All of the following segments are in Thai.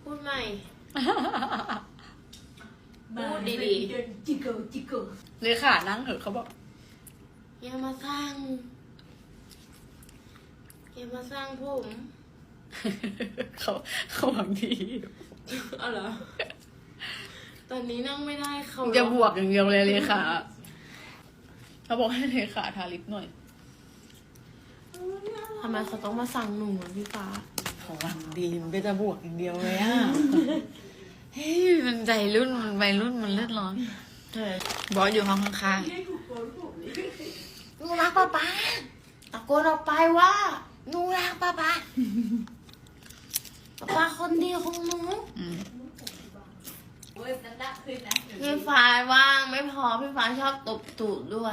พูดใหม่พูดดีๆจิกเกิลเลยค่ะนั่งเถอะเขาบอกอย่ามาสร้างผมเขาหวังดีเอาเหรอตอนนี้นั่งไม่ได้เขาจะบวกอย่างเดียวเลยค่ะเขาบอกให้เลยค่ะทาลิปหน่อยทำไมเขาต้องมาสั่งหนูอ่ะพี่ฟ้าเขาหวังดีมันก็จะบวกอย่างเดียวเลยอ่ะ เฮ้ยมันใจรุ่นมันวัยรุ่นมันเลือดร้อนบอสอยู่ห้องข้างหนูรักป้าป๊าตะโกนออกไปว่าหนูรักป้าป๊าป้าคนเดียวของหนูๆพี่ฟ้าว่างไม่พอพี่ฟ้าชอบตบตูดด้วย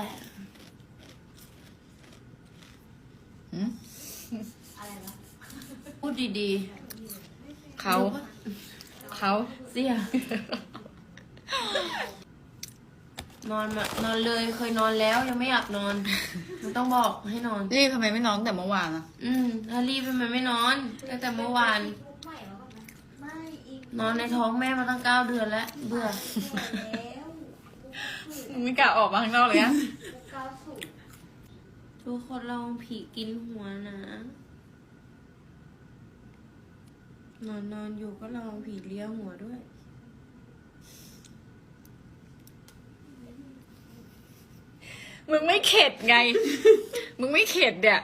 พูดดีๆเขาเสีย นอนเลยเคยนอนแล้วยังไม่อยากนอนมันต้องบอกให้นอนรีบทำไมไม่นอนแต่เมื่อวานอ่ะถ้ารีบทำไมไม่นอนตั้งแต่เมื่อวาน นอนในท้องแม่มาตั้ง9 เดือนแล้วเบื่อมึงไม่กล้าออกมาข้างนอกเลยอ่ะทุกคนเราผีกินหัวนะนอนอยู่ก็ลองผีเลี้ยหัวด้วยมึงไม่เข็ดไง มึงไม่เข็ดเนี่ย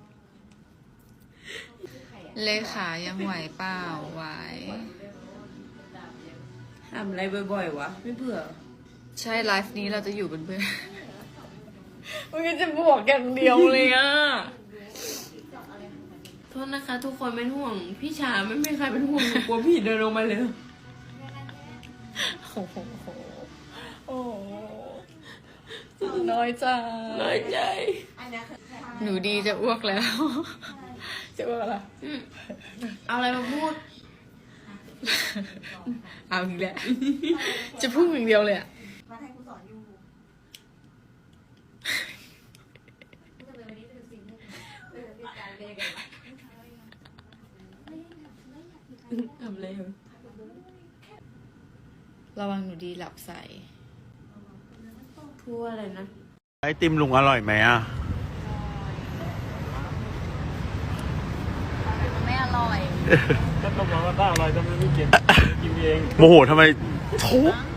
เลขายังไหวเปล่าไหวทำอะไรบ่อยๆวะไม่เบื่อใช่ไลฟ์นี้เราจะอยู่เป็นเพื่อน มึงก็จะบวกอย่างเดียวเลยอ่ะโทษนะคะ ทุกคนเป็นห่วง พี่ชาไม่มีใครเป็นห่วงหนูกลัวผีเดินลงมาเลยโอ้โหโอ้โหน้อยใจน้อยใจหนูดีจะอ้วกแล้ว จะอ้วกอะไรเอาอะไรมาพูดเอาอีกแล้ว จะพุ่งอย่างเดียวเลยอ่ะมาให้กูสอนอยู่กูจะไปวันนี้ไปดูซีรีส์เป็นการเรียนกันทำอะไรเหรอระวังหนูดีหลับใส่พูดอะไรนะไอติมลุงอร่อยไหมอ่ะไม่อร่อยก็ต้องบอกว่าถ้าอร่อยทำไมไม่กิน กินเองโมโหทำไมทุบ